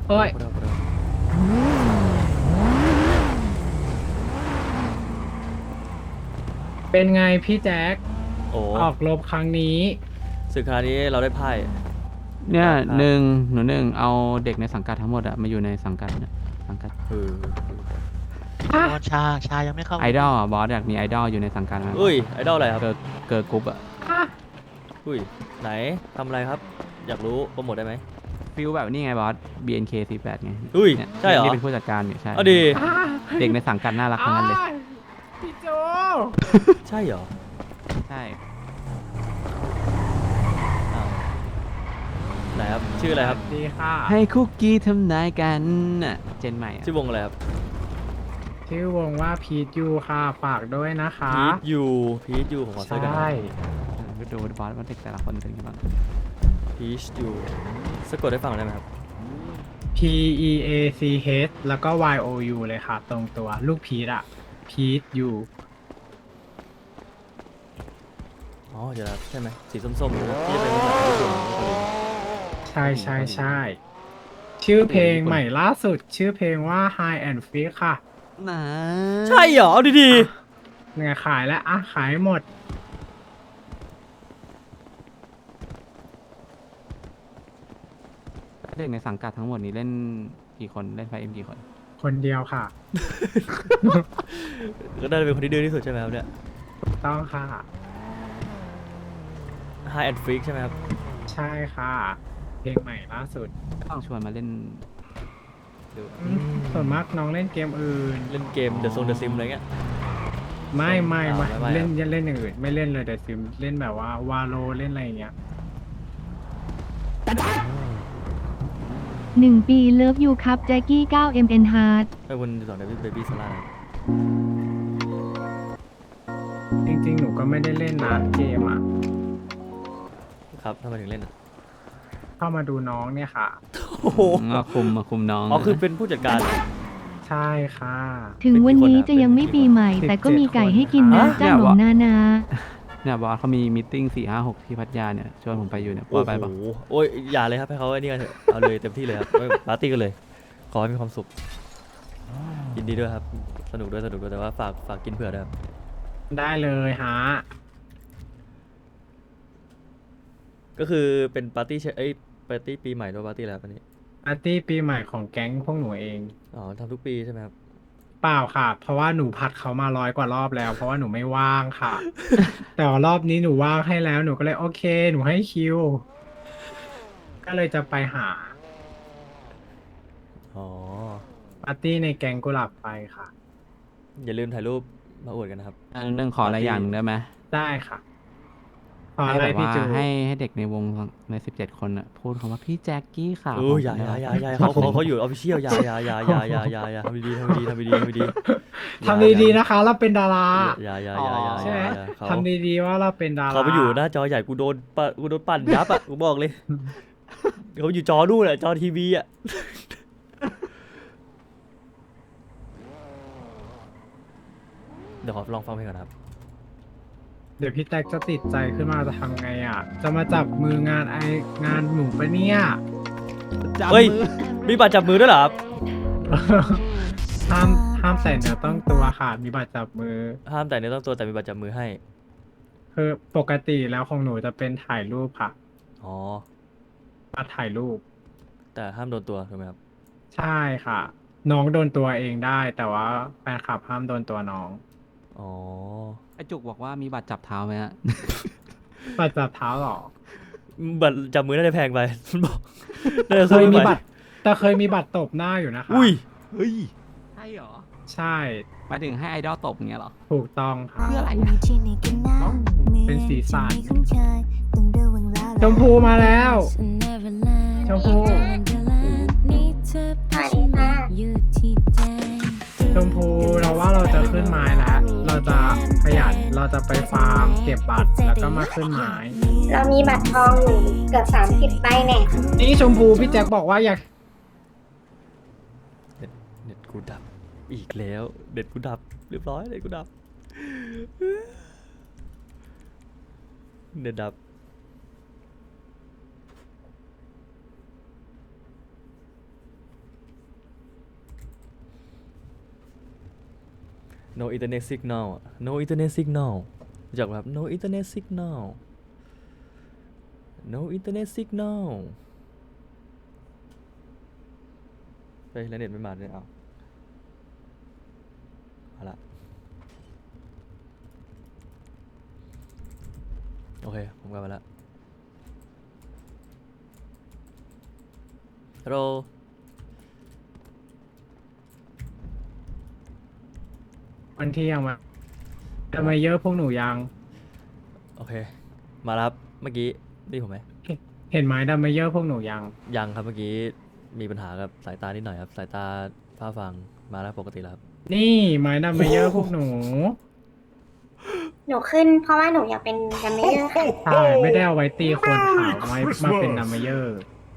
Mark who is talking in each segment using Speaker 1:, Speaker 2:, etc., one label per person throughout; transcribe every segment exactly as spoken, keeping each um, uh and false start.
Speaker 1: โอ้ยเป็นไงพี่แจ็ค
Speaker 2: โอ้
Speaker 1: ออกรบครั้งนี้
Speaker 2: ศึกคราวนี้เราได้ไพ่
Speaker 3: เนี่ย
Speaker 2: ได้ภาพ
Speaker 3: หนึ่งหนูหนึ่งเอาเด็กในสังกัดทั้งหมดอะมาอยู่ในสังกัดเนี่ยสังกัด
Speaker 2: เออ
Speaker 1: ฮะ
Speaker 4: โดนชาชายังไม่เข้า
Speaker 3: ไอดอลอะบอสอยากมีไอดอลอยู่ในสังกัดไหม
Speaker 2: อุ้ยไอดอลอะไรครับ
Speaker 3: เกิร์ลเกิร์ลกรุ๊ปอะ
Speaker 1: ฮะ
Speaker 2: อุ้ยไหนทำอะไรครับ อยากรู้โปรโมทได้ไหม
Speaker 3: ฟิลแบบนี่ไงบอส บี เอ็น เค สี่สิบแปดไง
Speaker 2: อุ้ย
Speaker 3: เนี่ย
Speaker 2: ใช่เหรอ
Speaker 3: นี่เป็นผู้จัดการอยู่ใช่
Speaker 2: เอาดี
Speaker 1: อ่า
Speaker 3: เด็กในสังกัดน่ารักทั้งนั้นเลย
Speaker 1: อ่าพี่โจ
Speaker 2: ใช่เหรอ
Speaker 3: ใช่
Speaker 2: อ้าวไหนครับชื่ออะไรครับ
Speaker 1: ดีค่ะ
Speaker 3: ให้คุกกี้ทำนายกันน่ะเจนใหม่อะ
Speaker 2: ชื่อวงอะไรครับ
Speaker 1: ชื่อวงว่าพีทยูค่ะฝากด้วยนะคะ
Speaker 2: พีทยูพีทยูผมขอเซิร์ชกัน
Speaker 1: ใช่
Speaker 3: เออดูบอสว่าเด็กแต่ละคนเป็นยังไงบ้าง
Speaker 2: พีทยูสะกดได้ฟังได้ไหมครับ
Speaker 1: P E A C H แล้วก็ Y O U เลยค่ะ ตรงตัวลูกพีทอะพีทยู
Speaker 2: อ๋อเดี๋ยวนะใช่ไหมสีส้มๆนะที่จะเป็นภาษาญี่ปุ่นเกาหลี
Speaker 1: ใช่ใช่ใช่ชื่อเพลงใหม่ล่าสุด ชื่อเพลงว่า High and Free ค่ะ
Speaker 3: นะ
Speaker 2: ใช่เหรอเอาดี
Speaker 1: เนี่ยขายแล้วอ่ะขายหมด
Speaker 3: เด็กในสังกัดทั้งหมดนี้เล่นกี่คนเล่นไฟเอ็มกี่คน
Speaker 1: คนเดียวค่ะ
Speaker 2: ๆก็น่าจะเป็นคนที่ดื้อที่สุดใช่ไหมครับเนี่ย
Speaker 1: ต้องค่ะ
Speaker 2: High and Freak ใช่ไหมครับ
Speaker 1: ใช่ค่ะ เพลงใหม่ล่าสุด
Speaker 3: ต้องชวนมาเล่นดู
Speaker 1: อืมส่วนมากน้องเล่นเกมอื่น
Speaker 2: เล่นเกม The Zone The Sim อะไรเงี้ย
Speaker 1: ไม่ไม่
Speaker 2: อ่า
Speaker 1: ไม่
Speaker 2: ไม่ไม่
Speaker 1: เล่น
Speaker 2: ครับ
Speaker 1: เล่นอย่างอื่น ไม่เล่นเลยแต่ซิมเล่นแบบว่าวาโลเล่นอะไรอย่างเงี้ย
Speaker 5: หนึ่งปีเลิฟยูครับแจ็กกี้ เก้า เอ็ม เอ็น Hard
Speaker 2: ให้คุณสอนเดวิดเบบี้ซาร่า
Speaker 1: จริงๆ หนูก็ไม่ได้เล่นนะเกมอ่ะ
Speaker 2: ครับทำไมถึงเล่นอ่ะ
Speaker 1: เข้ามาดูน้องเนี่ยค่ะ
Speaker 2: โอ้โห
Speaker 3: มาคุมมาคุมน้อง
Speaker 2: อ๋อคือเป็นผู้จัดการ
Speaker 1: ใช่ค่ะ
Speaker 5: ถึงวันนี้จะยังไม่ปีใหม่ แต่ก็มีไก่ให้กินนะ
Speaker 2: ฮะ
Speaker 5: จ้าหนมนานา
Speaker 3: เนี่ยบอสเขามีมิทติ้งสี่ห้าหกที่พัทยาเนี่ยชวนผมไปอยู่เนี่ยบอสไปปะ
Speaker 2: โอ้โหโอ้ยอย่าเลยครับให้เขาไอ้นี่กันเถอะเอาเลยเต็มที่เลยครับไว้ปาร์ตี้กันเลย ขอให้มีความสุขยินดีด้วยครับ สนุกด้วยสนุกด้วยแต่ว่าฝากฝากกินเผื่อด้วยครับ
Speaker 1: ได้เลยฮะ
Speaker 2: ก็คือเป็นปาร์ตี้เชเอ้ยปาร์ตี้ปีใหม่ด้วยปาร์ตี้อะไรครับอันนี้
Speaker 1: ปาร์ตี้ปีใหม่ของแก๊งพวกหนูเอง
Speaker 2: อ๋อทำทุกปีใช่ไหมครับ
Speaker 1: เปล่าค่ะ เพราะว่าหนูพัดเขามาร้อยกว่ารอบแล้ว เพราะว่าหนูไม่ว่างค่ะ แต่ว่ารอบนี้หนูว่างให้แล้ว หนูก็เลยโอเค หนูให้คิว ก็เลยจะไปหา
Speaker 2: อ๋อ
Speaker 1: ปาร์ตี้ในแก๊งกุหลาบไฟค่ะ
Speaker 2: อย่าลืมถ่ายรูปมาอวดกันนะครับ
Speaker 3: อันนึงขออะไรอย่างหนึ่งได้ไหม
Speaker 1: ได้ค่ะขอ
Speaker 3: ให้
Speaker 1: อะไร
Speaker 3: แบบ
Speaker 1: พี่
Speaker 3: ว่า
Speaker 1: จู
Speaker 3: ให้ให้เด็กในวงในสิบเจ็ดคนอ่ะพูดคำว่าพี่แจ็คกี้ค่ะ
Speaker 2: โอ้ยอย่าอย่าอย่าอย่าเขาเขาเขาอยู่ออฟฟิเชียลอย่าอย่าอย่าอย่าอย่าอย่าอย่าทำดีๆทำดีๆทำดีๆทำดีๆ
Speaker 1: ทำดีๆนะคะ เราเป็นดารา
Speaker 2: อย่าอย่าอย่าอย่า
Speaker 1: ใช่ไหม
Speaker 2: อย่าเขา
Speaker 1: ทำดีๆว่าเราเป็นดารา
Speaker 2: เขาไปอยู่หน้าจอใหญ่กูโดนปะกูโดนปั่นยับอ่ะกูบอกเลยเขาอยู่จอนู่นแหละจอทีวีอ่ะเดี๋ยวขอลองฟังเพลงก่อนนะครับ
Speaker 1: เดี๋ยวพี่แท็กจะติดใจขึ้นมาจะทำไงอ่ะ จะมาจับมืองานไองานหนูปะเนี่ย
Speaker 3: จับ
Speaker 2: เฮ้ย
Speaker 3: มือ
Speaker 2: มีบัตรจับมือด้วยเหรอครับ
Speaker 1: ห้ามห้ามใส่เนื้อต้องตัวค่ะ มีบัตรจับมือ
Speaker 2: ห้ามแต่เนื้อต้องตัวแต่มีบัตรจับมือให้
Speaker 1: คือปกติแล้วของหนูจะเป็นถ่ายรูปค่ะ
Speaker 2: อ๋อ
Speaker 1: บัตรถ่ายรูป
Speaker 2: แต่ห้ามโดนตัวถูกไหมครับ
Speaker 1: ใช่ค่ะ น้องโดนตัวเองได้ แต่ว่าแฟนคลับห้ามโดนตัวน้อง
Speaker 2: อ๋อ
Speaker 3: ไอจุกบอกว่ามีบัตรจับเท้าไหมฮะ
Speaker 1: บัตรจับเท้าเหรอ
Speaker 2: บัตรจับมือน่าจะแพงไป มันบอกน่าจะ
Speaker 1: เค
Speaker 2: สู้
Speaker 1: ย
Speaker 2: ไม่
Speaker 1: มี
Speaker 2: ไหว
Speaker 1: บัตร แต่เคยมีบัตรตบหน้าอยู่นะคะ
Speaker 2: อุ้ย
Speaker 3: เฮ้ยใช่เหรอ
Speaker 1: ใช่
Speaker 3: หมายถึงให้ไอดอลตบอย่างเงี้ยเหรอ
Speaker 1: ถูกต้องค่ะ
Speaker 3: เพื่ออะไร
Speaker 1: เป็นสีสันชมพูมาแล้ว ชมพู ชมพูเราว่าเราจะขึ้นไม้แล้ว เราจะขยัน เราจะไปฟาร์มเก็บบัตรแล้วก็มาขึ้นไม้
Speaker 6: เรามีบัตรทองอยู่เกือบสามสิบใบแน่
Speaker 1: นี่ชมพูพี่แจ็คบอกว่าอยาก
Speaker 2: เน็ตเน็ตกูดับอีกแล้วเน็ตกูดับเรียบร้อยเน็ตกูดับเน็ตดับ no internet signal อะ no internet signal รู้จักไหมครับ no internet signal no internet signal เฮ้ยแล้วเน็ตไม่มาเลยเอาเอาละโอเค ผมกลับมาแล้วฮัลโหล
Speaker 1: วันที่ยังมาทำไมเยอะพวกหนูยัง
Speaker 2: โอเค มาแล้วครับ เมื่อกี้ได้ยินผมไหม
Speaker 1: เห็นไหมดัมเมเยอร์พวกหนูยัง
Speaker 2: ยังครับ เมื่อกี้มีปัญหากับสายตานิดหน่อยครับ สายตาฝ้าฟางมาแล้วปกติแล้วครับ
Speaker 1: นี่ไม้ดัมเมเยอร์พวกหนู
Speaker 6: หนูขึ้นเพราะว่าหนูอยากเป็นดัมเมเยอร์ค่ะ
Speaker 1: ใช่ไม่ได้เอาไว้ตีคนขาวไว้มาเป็นดัมเมเยอร์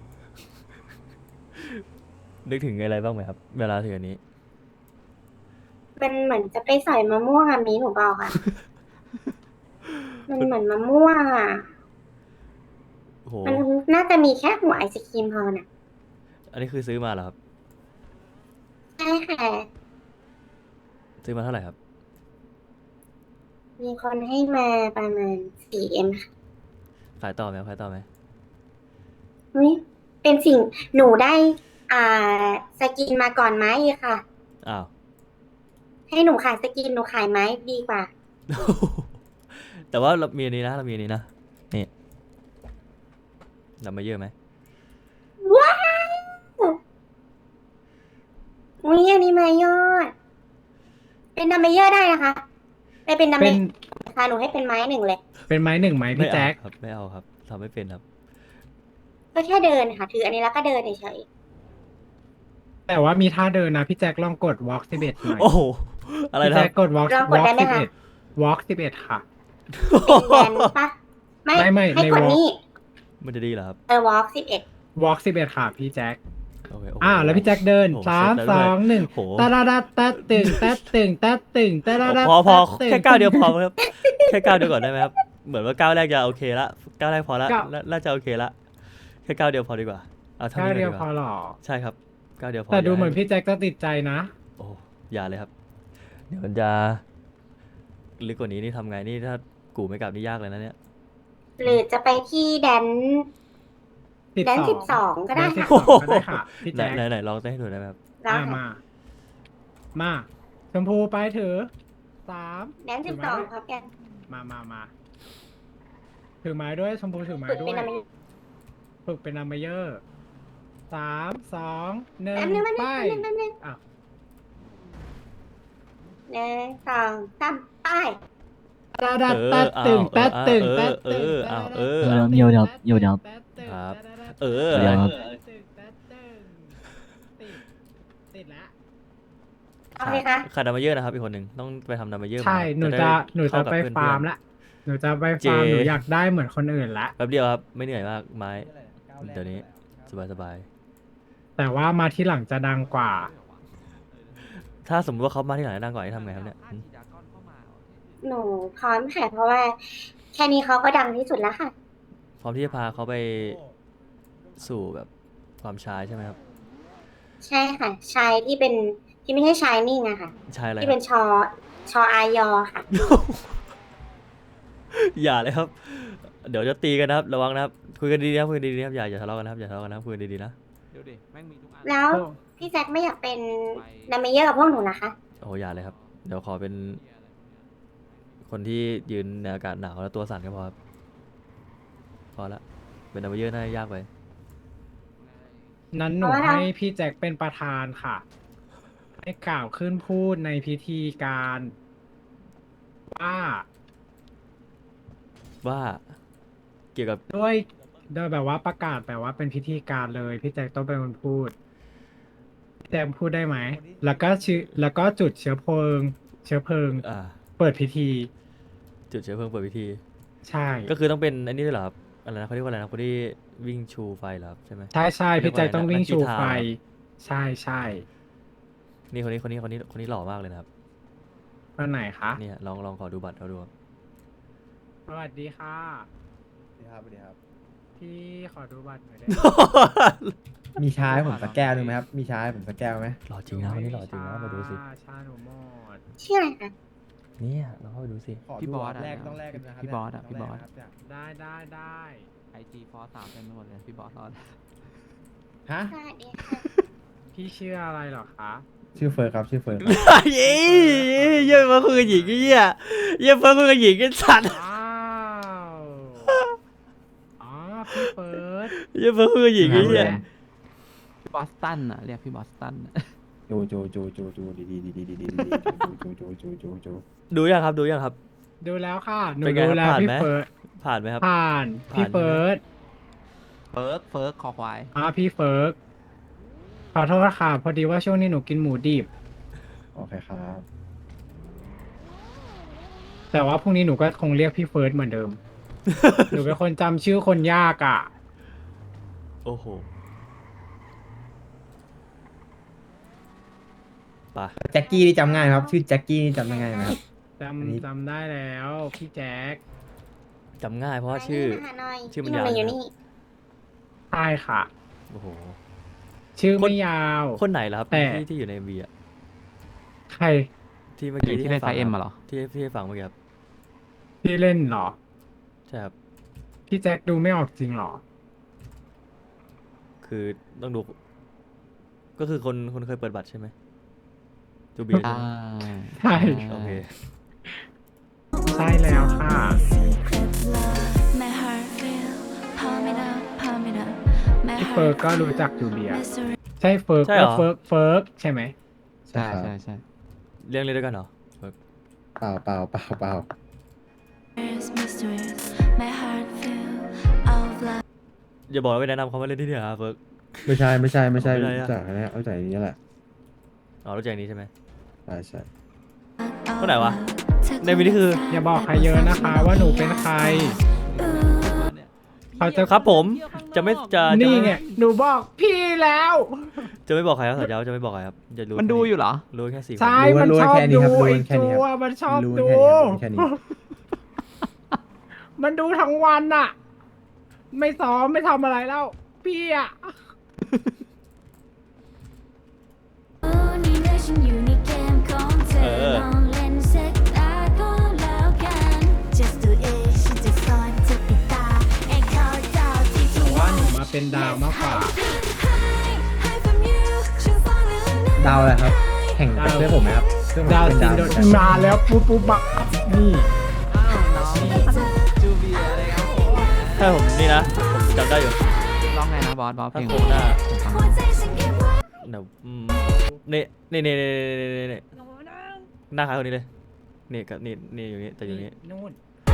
Speaker 2: นึกถึงอะไรบ้างไหมครับ เวลาถึงอันนี้
Speaker 6: มันเหมือนจะไปใส่มะม่วงอะมีหนูบอกอะ มันเหมือนมะม่วงอะ
Speaker 2: โอ้โห
Speaker 6: มันน่าจะมีแค่หัวไอศครีมพอน่ะ
Speaker 2: อันนี้คือซื้อมาเหรอครับ
Speaker 6: ใช่ค่ะ
Speaker 2: ซื้อมาเท่าไหร่ครับ
Speaker 6: มีคนให้มาประมาณ สี่เอ็ม ค่ะ
Speaker 2: ขายต่อไหมครับขายต่อไหม
Speaker 6: อุ๊ยเป็นสิ่งหนูได้ อ่า สกินมาก่อนไหมค่ะ
Speaker 2: อ้าว
Speaker 6: ให้หนูขายสกินหนูขายไหมดีกว่า
Speaker 2: แต่ว่าเรามีอันนี้นะ เรามีอันนี้นะ นี่นำมาเยอะไหม
Speaker 6: ว้าวอุ้ยอันนี้มายอด เป็นดัมเมเยอร์ได้นะคะไปเป็นดัมเม
Speaker 1: เป็น
Speaker 6: เยอร์ค่ะหนูให้เป็นไม้หนึ่งเลย
Speaker 1: เป็นไม้หนึ่งไหม
Speaker 2: ไม่
Speaker 1: พี่
Speaker 2: เอา
Speaker 1: แจ็ค
Speaker 2: ครับ ไม่เอาครับทำไม่เป็นครับ
Speaker 6: ก็แค่เดินค่ะ ถืออันนี้แล้วก็เดินเฉย
Speaker 1: แต่ว่ามีท่าเดินนะพี่แจ็คลองกด walk สิบเอ็ดหน่อย
Speaker 2: โอ้โห อะไร
Speaker 1: พี่
Speaker 2: นะค
Speaker 1: แจ็
Speaker 2: รั
Speaker 1: ค
Speaker 2: บ
Speaker 1: กด walk
Speaker 6: ๆลองกด
Speaker 1: walk
Speaker 6: ได้ไหม
Speaker 1: สิบ
Speaker 6: คะ
Speaker 1: เอ็ด walk สิบเอ็ดค่ะ
Speaker 6: เป็นแดนปะไม่
Speaker 1: ไม่ไม่
Speaker 6: ให้
Speaker 1: ใน
Speaker 6: กด
Speaker 1: walk
Speaker 6: นี่
Speaker 2: มันจะดีเหรอครับ
Speaker 6: เออ walk สิบเอ็ด
Speaker 1: walk สิบเอ็ดค่ะพี่แจ็ค
Speaker 2: โอเคโโห
Speaker 1: อ่าแล้วพี่แจ็คเดิน
Speaker 2: โอ้โห
Speaker 1: สาม
Speaker 2: เสร็จ
Speaker 1: ส
Speaker 2: แล้ว
Speaker 1: องหนึ่ง
Speaker 2: โอ้โห
Speaker 1: ตะดาดาตะตึงตะตึงตะตึงตะดาดา
Speaker 2: พอพอ
Speaker 1: ตะตึง
Speaker 2: แค่ก้าวเดียวพอครับ แค่ก้าวเดียวก่อนได้ไหมครับ เหมือนว่าก้าวแรกจะโอเคละก้าวแรกพอละ
Speaker 1: ก้าว
Speaker 2: น่าน่าจะโอเคละแค่ก้าวเดียวพอดีกว่า เอาเท่า
Speaker 1: ก้าว
Speaker 2: นี้เล
Speaker 1: เดี
Speaker 2: ย
Speaker 1: ยว
Speaker 2: ดีก
Speaker 1: พอ
Speaker 2: ว่า
Speaker 1: หรอ
Speaker 2: ใช่ครับก้าวเดียวพอ
Speaker 1: แต่ดู
Speaker 2: ย่า
Speaker 1: เหมือน
Speaker 2: ให้
Speaker 1: พี่แจ็คจะติดใจนะ
Speaker 2: โอ้อย่าเลยครับ เดี๋ยวมันจะลึกกว่านี้นี่ทำไงนี่ถ้ากูไม่กลับนี่ยากเลยนะเนี่ย
Speaker 6: หรือจะไปที่แดน แดนสิบสองก็ได้
Speaker 1: แดนสิบ
Speaker 6: ค่ะ
Speaker 1: สองก็ได้ค่ะพี่
Speaker 2: ไหน
Speaker 1: แจ็ค
Speaker 2: ไหนไหนลองเต้นให้ดูได้ไหมครับ
Speaker 6: แล้ว
Speaker 1: อ่ะมา มาชมพูไปเถอะสาม
Speaker 6: แดนสิบสองครับแก
Speaker 1: มามามาถือไม้ด้วยชมพูถือไม้
Speaker 6: ฝึก
Speaker 1: ด้ว
Speaker 6: เป็
Speaker 1: ย
Speaker 6: นอะไร
Speaker 1: ฝึกเป็นนัมเบเยอร์สามสองหนึ่ง
Speaker 6: แป๊บนึงแป๊บนึง
Speaker 1: ไป
Speaker 6: แป๊บนึงแป๊บนึง
Speaker 1: อ้าว
Speaker 6: หนึ่งสองสามไป
Speaker 1: ตาดัด
Speaker 2: เออ
Speaker 1: ตัดตึง
Speaker 2: เอา
Speaker 1: ตัดตึง
Speaker 2: เอ
Speaker 1: ตั
Speaker 2: อ
Speaker 1: ดตึง
Speaker 2: เออเอาเออ
Speaker 1: ตัดตึง
Speaker 3: เดี๋ยวเดี๋ยวเดี๋ยวเดี๋ยว
Speaker 1: ตัดตึง
Speaker 2: ครับ
Speaker 1: ตัดตึง
Speaker 2: เออ
Speaker 3: เดี๋ยวครับ
Speaker 1: ตัดตึงตัดตึงติดติดแล้ว
Speaker 6: เอาเลยคะ
Speaker 2: ขาดดัมเบลเยอร์นะครับอีกคนหนึ่งต้องไปทำดัมเบลเยอร์
Speaker 1: ใช่
Speaker 2: มา
Speaker 1: หนู
Speaker 2: ได้
Speaker 1: จะหนูจะ
Speaker 2: เข้กับ
Speaker 1: ไป
Speaker 2: เพื่อนๆ
Speaker 1: ฟาร์มละหนูจะไป
Speaker 2: เจ
Speaker 1: ฟาร์มหนูอยากได้เหมือนคนอื่นละ
Speaker 2: แป๊บเดียวครับ ไม่เหนื่อยมากไม้ เดี๋ยวนี้สบายสบาย
Speaker 1: แต่ว่ามาที่หลังจะดังกว่า
Speaker 2: ๆถ้าสมมติว่าเขามาที่ไหนดังกว่านี้ทำไงครับเนี่ยอืม
Speaker 6: หนูพร้อมค่ะเพราะว่า แค่นี้เขาก็ดังที่สุดแล้วค่ะ
Speaker 2: พร้อมที่จะพาเขาไปสู่แบบความชายใช่ไหมครับ
Speaker 6: ใช่ค่ะ ชายที่เป็นที่ไม่ใช่ชายนิ่งอะค่ะ
Speaker 2: ชายอะไร
Speaker 6: ที่
Speaker 2: ค
Speaker 6: เป็
Speaker 2: รั
Speaker 6: น
Speaker 2: บ
Speaker 6: ชอชออายอค่ะ
Speaker 2: อย่าเลยครับ เดี๋ยวจะตีกันนะครับ ระวังนะครับ คุยกันดีๆนะครับคุยกันดีๆนะครับอย่าอย่าทะเลาะกันนะครับอย่าทะเลาะกันนะครับคุยกันดีๆนะ
Speaker 3: เดี๋ยวดิแม่งมีทุกอัน
Speaker 6: แล้ว
Speaker 1: โอ้
Speaker 6: พี่แจ็คไม่อยากเป็นดัมเมเยอร์กับพวกหนูนะคะ
Speaker 2: โอ้อย่าเลยครับ เดี๋ยวขอเป็น คนที่ยืนในอากาศหนาวแล้วตัวสั่นก็พอครับพอละเป็นดัมเบลเยอร์น่าจะยากไป
Speaker 1: นั้นหนู
Speaker 6: เอาละ
Speaker 1: ให้พี่แจ็คเป็นประธานค่ะ ให้กล่าวขึ้นพูดในพิธีการว่า
Speaker 2: ว่าเกี่ยวกับ
Speaker 1: ด้วยโดยแบบว่าประกาศแบบว่าเป็นพิธีการเลย พี่แจ็คต้องเป็นคนพูดพี่แจ็คพูดได้ไหม แล้วก็ชื่อแล้วก็จุดเชื้อเพลิง เชื้อเพลิง
Speaker 2: อ่า
Speaker 1: เปิดพิธี
Speaker 2: จุดเชื้อเพลิงเปิดพิธี
Speaker 1: ใช่
Speaker 2: ก็คือต้องเป็นอันนี้ด้วยเหรอครับอะไรนะเขาเรียกว่าอะไรนะคนที่วิ่งชูไฟเหรอครับใช่ไหม
Speaker 1: ใช่ใช่พี่แจ็คต้องวิ่งชูไฟ
Speaker 2: นักกีฬา
Speaker 1: ใช่ใช่
Speaker 2: นี่คนนี้คนนี้คนนี้คนนี้หล่อมากเลยนะครับ
Speaker 1: วันไหนคะ
Speaker 2: เนี่ยลองลองขอดูบัตรเขาดูครับ
Speaker 1: สวัสดีค่ะ
Speaker 4: สวัสดีครับสวัสดีครับ
Speaker 1: พี่ขอดูบัตรหน่อยได้ไหม
Speaker 4: มีชาให้ผมสักแก้วหนึงไหมครับ มีชาให้ผมสักแก้วไหม
Speaker 2: หล่อจริงนะวันนี้หล่อจริงนะมาดูสิ
Speaker 1: ชาหนูหมด
Speaker 6: ชื่ออะไรคะ
Speaker 2: เนี่ยเราเข้าไปดูสิ
Speaker 4: ขอ
Speaker 3: พี่
Speaker 4: ดู
Speaker 3: บอสอะ
Speaker 4: แรกต้องแลกกันนะครับ
Speaker 3: พี่บอสอะ
Speaker 4: ต้ง
Speaker 3: พี่บอส
Speaker 4: แลกนะครับ
Speaker 1: ได้ได้ได้
Speaker 3: ไอจีฟอสสามเต็มไปหมดเลยพี่บอสรอด
Speaker 4: ฮะ
Speaker 6: สวัสดีค่ะ
Speaker 1: พี่ชื่ออะไรเหรอคะ
Speaker 4: ชื่อเฟิร์สครับ ชื่อเฟิร์ส
Speaker 2: เย้เยี่ยมมาคุยกับหญิงไอ้เหี้ยเยี่ยมมาคุยกับหญิงกันสัตว์
Speaker 1: ว้าวอ๋อพี่เฟิร์ส
Speaker 2: เยี่ยมมาคุยกับหญิงไอ้เหี้ย
Speaker 3: พี่บอสตันอะเรียกพี่บอสตันอะ
Speaker 4: จูจูจูจูจูดีดีดีดีดีดีดีจูจูจูจูจู
Speaker 2: ดูยังครับดูยังครับ
Speaker 1: ดูแล้วค่ะหนู
Speaker 2: เป็นไง
Speaker 1: ดูแล้ว
Speaker 2: ผ่าน
Speaker 1: พี่
Speaker 2: ไหม
Speaker 1: เฟิร์ส
Speaker 2: ผ่านไหมครับ
Speaker 1: ผ่าน
Speaker 2: ผ่าน
Speaker 1: พี่
Speaker 2: ใช่ไหม
Speaker 1: เฟิร์ส
Speaker 3: เฟิร์กเฟิร์กคอควาย
Speaker 1: อ๋อพี่เฟิร์สขอโทษค่ะ พอดีว่าช่วงนี้หนูกินหมูดิบ
Speaker 4: โอเคครับ
Speaker 1: แต่ว่าพรุ่งนี้หนูก็คงเรียกพี่เฟิร์สเหมือนเดิม หนูเป็นคนจำชื่อคนยากอ่ะ
Speaker 2: โอ้โหไป
Speaker 4: แจ็คกี้นี่จำง่ายไหมครับ ชื่อแจ็คกี้นี่จำง่ายไหมครับ
Speaker 1: จ
Speaker 4: อันนี้
Speaker 1: ำจำได้แล้ว พี่แจ็ค
Speaker 2: จำง่ายเพราะว่าชื่อ
Speaker 6: มาหาหน่อย
Speaker 2: ชื่อมัน
Speaker 6: พี่
Speaker 2: ยาว
Speaker 6: อยู่
Speaker 2: นะ
Speaker 6: นี่
Speaker 1: ใช่ค่ะ
Speaker 2: โอ้โห
Speaker 1: ชื่อ
Speaker 2: คน
Speaker 1: ไม่ยาว
Speaker 2: คนไหนล่ะครับ
Speaker 1: แต่
Speaker 2: ที่ที่อยู่ในเอ็มวีอะ
Speaker 1: ใคร
Speaker 2: ที่เมื่อ
Speaker 3: ที่
Speaker 2: กี้
Speaker 3: ที่เล่นไฟ
Speaker 2: ให้
Speaker 3: เอ็
Speaker 2: ฟั
Speaker 3: ม
Speaker 2: ง
Speaker 3: มาเหรอ
Speaker 2: ที่ที่ให้ฟังเมื่อกี้ครับ
Speaker 1: ที่เล่นเหรอ
Speaker 2: ใช่ครับ
Speaker 1: พี่แจ็คดูไม่ออกจริงเหรอ
Speaker 2: คือต้องดู ก็คือคนคนเคยเปิดบัตรใช่ไหมจูเบียร์
Speaker 3: อ่า
Speaker 1: ใช่
Speaker 2: โอเค
Speaker 1: ใช่แล้วค่ะ
Speaker 7: My heart feel pump it up, pump it up. My
Speaker 1: พี่เฟิร์ก
Speaker 7: heart
Speaker 1: ก็รู้จักจูเลีย
Speaker 7: mystery
Speaker 1: ใช่เฟิร์ก
Speaker 2: ใช่เหรอ
Speaker 1: เฟิร์กเฟิร์กใช่ไหม
Speaker 3: ใช่ใช่ใช่
Speaker 2: เรียงเลยด้วยกันเหรอ
Speaker 4: เปล่าเปล่าเปล่าเปล่า
Speaker 7: is mysterious. My heart feel of love.
Speaker 2: อย่าบอกว่าไปแนะนำเขามาเล่นที่นี่เหรอครับเฟิร์ก
Speaker 4: ไม่ใช่ไม่ใช่ไม่ใช่
Speaker 2: ไม่ได้อะ
Speaker 4: รู้จักอันนี้รู้จักอันนี้แหละ
Speaker 2: อ๋อรู้จักอย่างนี้ใช่ไหม
Speaker 4: ใช่ใช่
Speaker 2: คนไหนวะ ในวินี่คือ
Speaker 1: อย่าบอกใครเยอะนะคะ ว่าหนูเป็นใคร เขาจะ
Speaker 2: ครับผมจะไม่จะจะ
Speaker 1: นี่
Speaker 2: ไม่
Speaker 1: ไง หนูบอกพี่แล้ว
Speaker 2: จะไม่บอกใครครับสัญญาว่าจะไม่บอกใครครับจะรู้
Speaker 3: มันดูอยู่เหรอ
Speaker 2: รู้แค่สี่คน
Speaker 1: ใช่ มันชอบดูไอ้จัวมันชอบ
Speaker 4: รู้
Speaker 1: ดู
Speaker 4: แค่นี้ครับรู้แค่นี้
Speaker 1: มันดูทั้งวันอะไม่ซ้อมไม่ทำอะไรแล้ว พี่อะ
Speaker 7: นี่เมื่อฉันอยู่ในเกมของเธอลองเล่นสักตาก็แล้วกัน Just do it ฉันจะสอนเธอปิดตาไอ้เขาเจ้าที่ทุก
Speaker 1: ว่า
Speaker 7: วัน
Speaker 1: หนูมาเป็นดาวมากกว่า
Speaker 4: ดาวอะไรครับ แข่งเป็นเพื่อนผมไหมครับเพื่อนผม
Speaker 1: ดาว
Speaker 4: เป็น
Speaker 1: ซิ
Speaker 4: ดาน ว
Speaker 1: โดนมาแล้วปุ๊บปุ๊บบักนี่
Speaker 3: จูเบียอะไรครับ
Speaker 2: ใช่ผมนี่นะผมจำได้อยู่
Speaker 3: ร้องไงนะบอสบอสเพ
Speaker 2: ถ้า
Speaker 3: ลง
Speaker 2: โคหน้า
Speaker 3: ผมฟัง
Speaker 2: เดี๋ยวอืมนี่นี่นี่นี่นี่นี่นี่หน้าคล้ายคนนี้เลยนี่กับนี่นี่อยู่นี่แต่อยู่นี่
Speaker 1: นู่น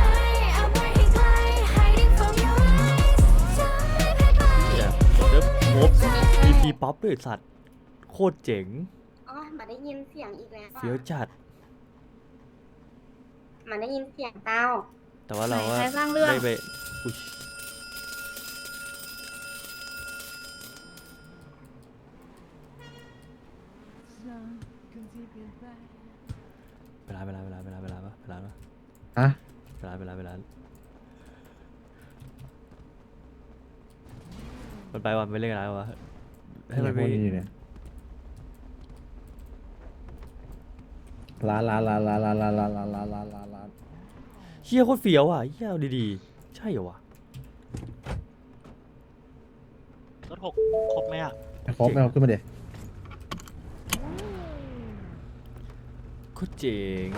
Speaker 2: อย่าเดี๋ยวโป๊บมีพีป๊อปด้วยสัตว์โคตรเจ๋ง
Speaker 6: อ๋อมาได้ยินเสียงอีกแล้วอะ
Speaker 2: เฟี้ยวจัด
Speaker 6: มาได้ยินเสียงเต้า
Speaker 2: แต่ว่าเราก็
Speaker 6: ใครสร้างเรื่อง
Speaker 2: ได้ไปอุ๊ยเวลาเวลาเวลาเวลาเวลาปะเวลาปะ
Speaker 4: ฮะ
Speaker 2: เวลาเวลาเวลามันไปวันไม่เล่นกันแล้ววะให้มัน
Speaker 4: พ
Speaker 2: ไป
Speaker 4: วกนี้อยู่เนี่ยลาลาลาลาลาลาลาลาลาลาลาลา
Speaker 2: เฮียโคตรเฟี้ยวอ่ะเฮียเอาดีๆ ใช่เหรอวะ
Speaker 8: รถหกครบไหมอ่ะ
Speaker 4: ครบไหมเอาขึ้นมาเดี๋ยว
Speaker 2: โคตรเจ๋ง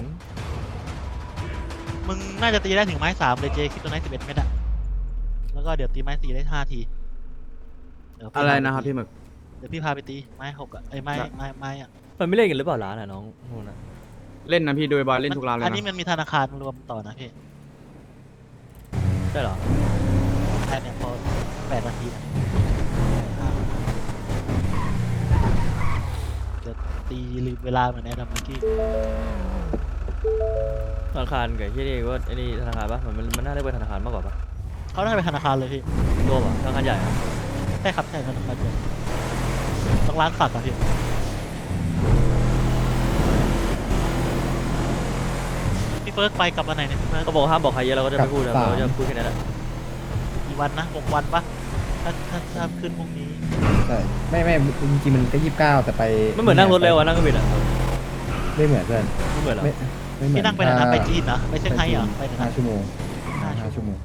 Speaker 8: มึงน่าจะตีได้ถึงไม้สามเลยเจคิดตัวไหนสิบเอ็ดเมตรอ่ะ แล้วก็เดี๋ยวตีไม้สี่ได้ห้าทีเดี๋ยวพี่
Speaker 3: อะไร
Speaker 8: พาป
Speaker 3: นะครับ
Speaker 8: ตี
Speaker 3: พี่หมึก
Speaker 8: เดี๋ยวพี่พาไปตีไม้หกอ่ะไอ้ยไม้ไม้ไม้อ่ะ
Speaker 2: มันไม่เล่นกันหรือเปล่าร้านอ่ะน้องพวกนั้น
Speaker 3: เล่นนะพี่ดูบอลเล่นทุกราวเลย
Speaker 8: อันนี้
Speaker 3: นะ
Speaker 8: มันมีธนาคารรวมต่อนะพี่
Speaker 2: ใช่เหรอ
Speaker 8: แค่เนี่ยพอแปดนาทีนะห้าเดี๋ยวตีลืมเวลาเหมือนแอดัมเมื่อกี้
Speaker 2: ธนาคารกับที่นี่ว่าไอ้นี่ธนาคารปะมันมันมันน่าเรียกว่าธนาคารมากกว่าปะ
Speaker 8: เขาน่าจะเป็นธนาคารเลยพี่
Speaker 2: รวมอ่ะธนาคารใหญ่อะ
Speaker 8: ใช่ครับใช่ธนาคารเลยต้องร้านฝากอะพี่พี่เฟิร์สไปกลับวันไหนเนี่ยพี่เฟิร์ส
Speaker 2: ก็บอกห้ามบอกใครเยอะเราก็จะไม่พูดนะเราจะพูดแค่นั้นแหละ
Speaker 8: กี่วันนะหกวันปะถ้าถ้าถ้าขึ้นพรุ่งนี้
Speaker 4: ใช่ไม่ไม่จริงๆมันก็ยี่สิบเก้าแต่ไป
Speaker 2: มันเหมือนนั่งรถเร็วอะนั่งเครื่องบินอะ
Speaker 4: ไม่เหมือนเพื่อน
Speaker 2: ไม่เหมือนเหรอ
Speaker 4: ไม่ไม่เหมือน
Speaker 8: พี่นั่งไปไหนนะไปจีนเหรอไปเซี่ยงไฮ้เหรอไปไหน
Speaker 4: ห้า
Speaker 8: นะ
Speaker 4: ชั่วโมง
Speaker 8: ห้า
Speaker 4: ห้า
Speaker 8: ชั่
Speaker 4: ชั่
Speaker 8: ว
Speaker 4: ว
Speaker 8: โม
Speaker 4: โม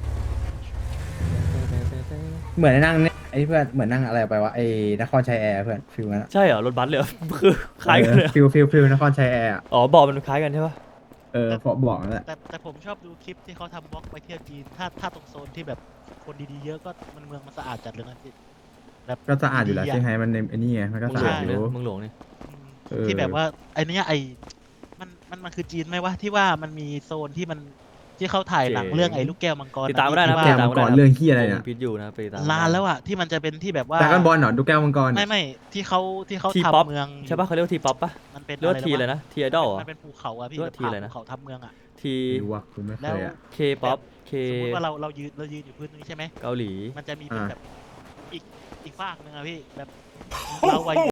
Speaker 8: ง
Speaker 4: งเหมือนนั่งเนี่ยไอ้เพื่อนเหมือนนั่งอะไรไปวะไอ้นครชัยแอร์เพื่อนฟิลนั้นอะ
Speaker 2: ใช่เหรอรถบัสเลยเหรอ คือคล้ายกันเลยเหรอ
Speaker 4: ฟิลฟิลฟิลนครชัยแอร์อะ
Speaker 2: อ๋อบอกมันคล้ายกันใช่ปะ
Speaker 4: เออพอบอกนั่นแหละ
Speaker 8: แต่แต่ผมชอบดูคลิปที่เขาทำบล็อกไปเที่ยวจีน ถ้าถ้าตรงโซนที่แบบคนดีๆเยอะก็มันเมืองมันสะอาดจัดเลยนะพี่แบบ
Speaker 4: ก็สะอาดอยู่แล้ว
Speaker 8: ดีะ
Speaker 4: เซี่ยงไฮ้มันในไอ้นี่ไงมันก็
Speaker 2: มึง
Speaker 4: สะ
Speaker 2: หล
Speaker 4: อาด
Speaker 2: ง
Speaker 4: อ
Speaker 2: เนี่ย
Speaker 4: ยู่
Speaker 2: มึงหลงนี่
Speaker 8: อืม
Speaker 4: เออ
Speaker 8: ที่แบบว่าไอ้เนี้ยไอ้มันมันมันคือจีนไหมวะที่ว่ามันมีโซนที่มันที่เขาถ่ายหนังเรื่องไอ้ลูกแก้วมังกร
Speaker 2: ติดตามไม่ได้นะ
Speaker 8: ที่
Speaker 2: ติ
Speaker 8: ว่า
Speaker 2: ดตาม
Speaker 4: มังกรเรื่องเหี้ยอะไรเนี่ย
Speaker 2: พิษอยู่นะไปติดตาม
Speaker 8: ลานแล้วอะที่มันจะเป็นที่แบบว่า
Speaker 4: ดราก้อนบอลเหรอดูแก้วมังกร
Speaker 8: ไม่ไม่ที่เขาที่เขา
Speaker 2: ทีป๊อป
Speaker 8: ทำเมือง
Speaker 2: ใช่ปะเขาเรียกว่าทีป๊อปปะ
Speaker 8: มันเป็น
Speaker 2: เรียกว่าทีอะไรนะทีไอดอล
Speaker 8: มันเป็นภูเขาอะพี่
Speaker 2: เรียกว่าทีอะไรนะ
Speaker 8: ภูเขาทำเมืองอะ
Speaker 2: ที
Speaker 4: ไม่รู้ว่ากูไม่เค
Speaker 8: แล้ว
Speaker 4: ยอะ
Speaker 2: เคป๊อปเค
Speaker 8: สมมติว่าเราเรายืนเรายืนอยู่พื้นตรงนี้ใช่ไหม
Speaker 2: เกาหลี
Speaker 8: มันจะมีเป็น
Speaker 4: อ่า
Speaker 8: แบบอีกอีกฝากหนึ่งอะพี่แบบเราวัย